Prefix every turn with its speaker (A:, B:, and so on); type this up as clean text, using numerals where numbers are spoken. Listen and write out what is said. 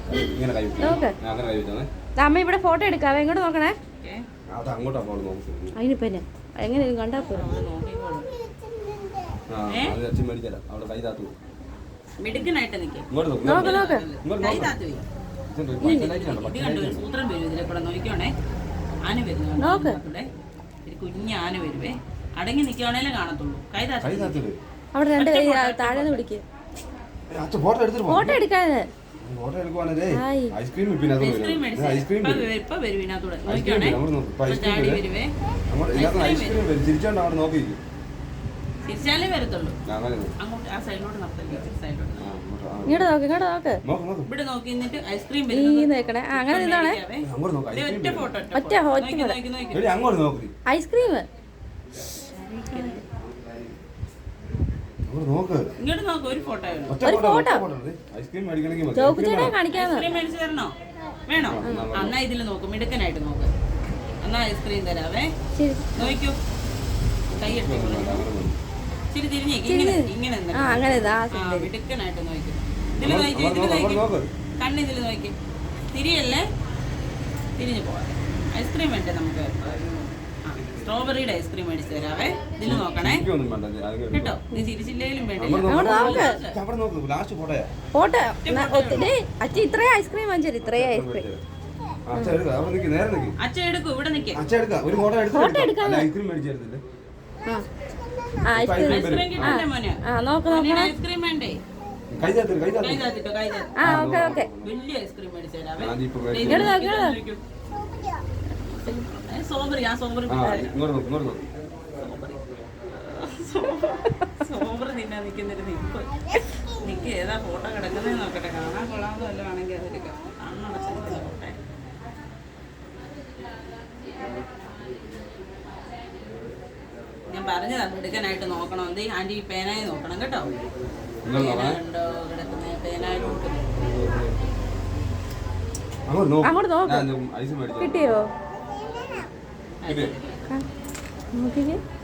A: ഇങ്ങനെ കൈ
B: നോക്ക്
A: അങ്ങനെ കൈ വെച്ചാൽ
B: അമ്മ ഇവിടെ ഫോട്ടോ എടുക്കാവേ എങ്ങോട്ട് നോക്കണേ
A: അത് അങ്ങോട്ടാ പോകണം നോക്കുന്നത്.
B: അതിനിപ്പോ എന്നെ എങ്ങനെ കണ്ടാ പോലും
A: അത് അച്ഛൻ മേടിച്ചാലോ അവിടെ കൈ താത്തു
C: മിടുക്കനായിട്ട് നിൽക്കും.
A: ഇങ്ങോട്ട്
B: നോക്ക് നോക്ക്
C: കൈ താത്തു സൂത്രം വരും ഇതിലെ കൂടെ നോക്കിയോണേ. ആന വരുന്നു കുഞ്ഞ് ആന വരുവേ. അടങ്ങി നിൽക്കുവാണേലേ കാണത്തുള്ളൂ. കൈ താത്തു
B: അവിടെ രണ്ട് താഴെ പിടിക്കുക ഫോട്ടോ എടുക്കാതെ
A: ഐസ്ക്രീം
C: ഇപ്പൊ വരും ഇതിനകത്തൂടെ നോക്കിയോണേ. ചാടി വരുവേ.
A: ചിരിച്ചോണ്ട് അവിടെ നോക്കി
C: തിരിച്ചാലേ വരത്തുള്ളൂ. അങ്ങോട്ട് ആ സൈഡിലോട്ട് നടത്തല്ലേ. സൈഡിലോട്ട്
B: ഇങ്ങോട്ട് നോക്ക് ഇങ്ങോട്ട് നോക്ക്
C: ഇവിടെ നോക്കി നിന്നിട്ട് ഐസ്ക്രീം
B: നോക്കണേ അങ്ങനെ നിന്നാണേ
C: ഒറ്റ ഫോട്ടോ
B: ഒറ്റ ഐസ്ക്രീം
C: ഇങ്ങോട്ട് നോക്ക്. ഒരു ഫോട്ടോ
B: ചോക്കുചേട്ടാ കാണിക്കാന്ന്
C: ഐസ്ക്രീം മേടിച്ചു തരണോ? വേണോ? എന്നാ ഇതില് നോക്ക്. മിടുക്കനായിട്ട് നോക്ക്. എന്നാ ഐസ്ക്രീം തരാവേ. നോക്കൂ. കൈ എടുത്തോളൂ. ഇച്ചിരി തിരിഞ്ഞേക്ക്. ഇങ്ങനെ മിടുക്കനായിട്ട് നോക്കി. ഇതില് നോക്കി. കണ്ണിതില് നോക്കി. തിരിയല്ലേ. തിരിഞ്ഞു പോവാം. ഐസ്ക്രീം വേണ്ടേ നമുക്ക്? സ്ട്രോബെറിയുടെ ഐസ്ക്രീം മേടിച്ചു തരാവേ. ഇതില് നോക്കണേ കേട്ടോ. നീ ചിരിച്ചില്ലേലും വേണ്ടില്ല.
B: ഫോട്ടോ അച്ഛ ഇത്രയും ഐസ്ക്രീം വാങ്ങിച്ചു. ഇത്രയും ഐസ്ക്രീം
C: അച്ഛൻ എടുക്കും. ഇവിടെ നിൽക്കും.
B: ഫോട്ടോ എടുക്കാൻ
C: ഐസ്ക്രീം കിട്ടണ്ടേ മോനെ?
B: നോക്ക് നോക്കണം
C: ഐസ്ക്രീം വേണ്ടേ?
B: ഓക്കെ ഓക്കെ
C: വലിയ ഐസ്ക്രീം മേടിച്ചു തരാവേ. സോബറി തിന്നാ നിൽക്കുന്നിട്ട് നിക്ക് ഏതാ ഫോട്ടോ കിടക്കുന്നേ നോക്കട്ടെ. കാണാൻ കൊള്ളാമെന്ന് വല്ലതും ആണെങ്കിൽ അതെടുക്കാം. കണ്ണടച്ചിരിക്കുന്ന ഫോട്ടോ. ഞാൻ പറഞ്ഞതാ മിടുക്കനായിട്ട് നോക്കണം. എന്ത് ആന്റി പേനായി നോക്കണം കേട്ടോ. ഉണ്ടോ കിടക്കുന്ന പേനായിട്ട്
B: അങ്ങോട്ട് നോക്ക് കിട്ടിയോ നോക്കിക്കേ